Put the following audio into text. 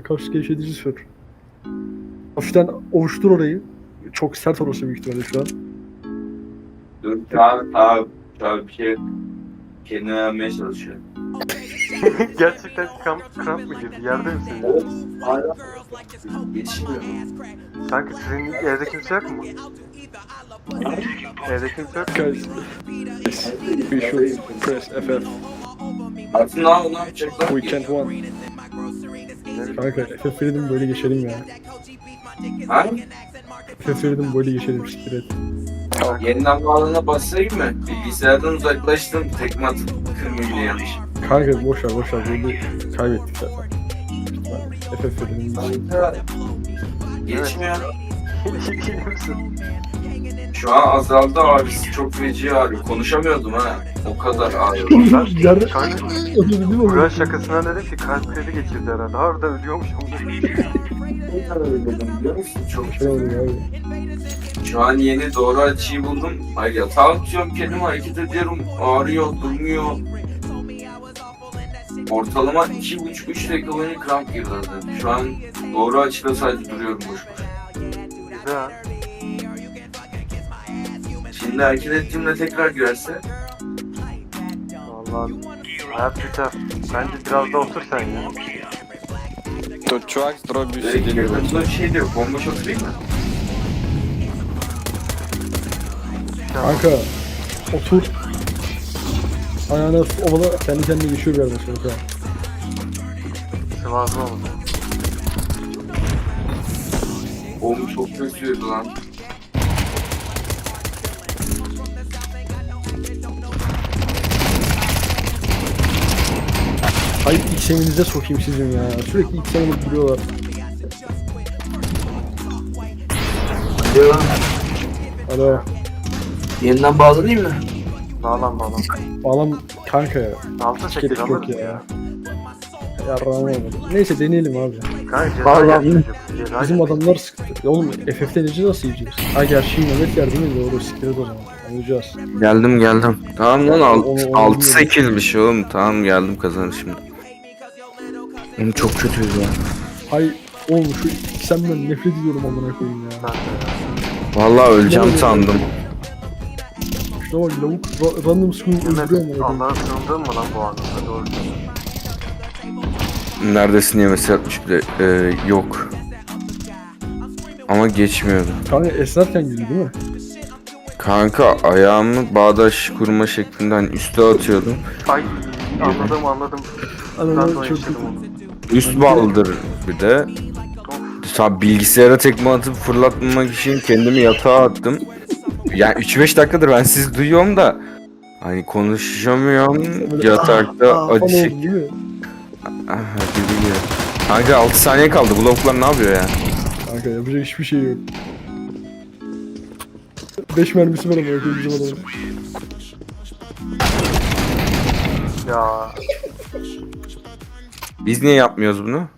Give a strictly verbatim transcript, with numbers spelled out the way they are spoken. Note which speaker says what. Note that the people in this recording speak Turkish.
Speaker 1: kas gevşetici sür. Hafiften ovuştur orayı. Çok sert orası büyük ihtimalle şu an.
Speaker 2: Dur tamam tamam. Tamam bir şey kendine vermeye çalışıyor.
Speaker 3: Gerçekten kramp, kramp mı girdi? Yerde misin?
Speaker 2: Hala yetişmiyor.
Speaker 3: Kanka senin evde kimse yok mu? Evde kimse yok mu?
Speaker 1: Guys, we should press F F.
Speaker 2: Aslında ne yapacaklar?
Speaker 1: We can't win. Kanka F F verelim böyle geçelim ya.
Speaker 2: Ha?
Speaker 1: F F verelim böyle geçelim siktir et.
Speaker 2: Yeniden bağlana basayım mı? Bilgisayardan uzaklaştım. Tekme atıp kırmayayım diye yanlış.
Speaker 1: Kanka boş ver boş ver böyle kaybettik zaten. F F verelim.
Speaker 2: Geçmiyor.
Speaker 3: İyi misin?
Speaker 2: Şu an azaldı ağrısı. Çok feci ağrıyor. Konuşamıyordum ha. O kadar ağrıyor.
Speaker 1: Yerde
Speaker 3: Kanka
Speaker 1: öldü değil mi?
Speaker 3: Burak şakasına dedim ki kalp krizi geçirdi herhalde. Harbiden ölüyormuşum.
Speaker 2: Biliyor musun? Çok
Speaker 1: Şey oldu abi.
Speaker 2: Şu an yeni doğru açıyı buldum. Ay yatağa atıyorum kendimi hareket ediyorum. Ağrıyor, durmuyor. Ortalama iki buçuk üç dakika boyunca kramp girdi. Şu an doğru açıda sadece duruyorum boş boş.
Speaker 3: Güzel.
Speaker 2: Şimdi hareket ettiğimde tekrar girerse
Speaker 3: Vallahi hayat biter. Bence biraz da otur sen ya.
Speaker 4: То чувак с дробью
Speaker 2: direkt
Speaker 4: сидели.
Speaker 2: girdiğimde bir şey diyor. Bomboş oturayım mı?
Speaker 1: Kanka otur. Ayağına ovala kendi kendine geçiyor bir yerden sonra. Kanka.
Speaker 3: Sıvazlı oldu.
Speaker 2: Oğlum çok kötüydü lan.
Speaker 1: Hayır X'eminize sokayım sizin ya. Sürekli X'em alıp duruyorlar. Alo.
Speaker 2: Yeniden bağlanayım mı?
Speaker 3: Bağlan bağlan.
Speaker 1: Bağlam kanka ya.
Speaker 3: altı
Speaker 1: Hiç
Speaker 3: sekiz
Speaker 1: gerek yok
Speaker 3: alırız
Speaker 1: ya.
Speaker 3: ya.
Speaker 1: Yarrağım olmadı. Neyse deneyelim abi.
Speaker 3: Kanka ceza
Speaker 1: Bağlan.
Speaker 3: yer çocuk. Ceza
Speaker 1: Bizim
Speaker 3: yer.
Speaker 1: adamlar sıktı. Ya oğlum F F'de nece nasıl yiyeceğiz? Ha gerçi Mehmet yer değil mi? Doğru siktir o zaman. Anlayacağız.
Speaker 2: Geldim geldim. Tamam lan
Speaker 1: Onu- onu
Speaker 2: altı sekizmiş oğlum. Tamam geldim kazanır şimdi. Oğlum çok kötüydü ya.
Speaker 1: Hay oğlum şu X'emden nefret ediyorum amına koyayım ya.
Speaker 3: Ben de ya.
Speaker 2: Vallahi öleceğim
Speaker 1: Ne
Speaker 2: sandım.
Speaker 1: Şuna bak lavuk ra- random screen öldürüyor amına
Speaker 3: Mehmet
Speaker 1: koyayım.
Speaker 3: Allah'a sığındın mı lan bu anlamda? Doğru söylüyorsun.
Speaker 2: Neredesin diye mesaj atmış bile. Ee, yok. Ama geçmiyordu.
Speaker 1: Kanka esnerken güldü değil mi?
Speaker 2: Kanka ayağımı bağdaş kurma şeklinde hani üste atıyordum.
Speaker 3: Ay anladım anladım. Ben de
Speaker 1: Anam
Speaker 3: o
Speaker 1: çok
Speaker 3: yaşadım
Speaker 1: kötü.
Speaker 3: onu.
Speaker 2: Üst baldır bir de. Sa bilgisayara tekme atıp fırlatmamak için kendimi yatağa attım. Yani üç beş dakikadır ben sizi duyuyorum da hani konuşamıyorum.
Speaker 1: Böyle
Speaker 2: Yatakta
Speaker 1: ah, ah
Speaker 2: acı
Speaker 1: falan
Speaker 2: çek.
Speaker 1: oldu değil mi?
Speaker 2: Ah, hadi ya. Kanka altı saniye kaldı. Bu lavuklar ne yapıyor ya?
Speaker 1: Kanka yapacak hiçbir şey yok. beş mermisi var ama yok bizim adamın.
Speaker 3: Ya
Speaker 2: Biz niye yapmıyoruz bunu?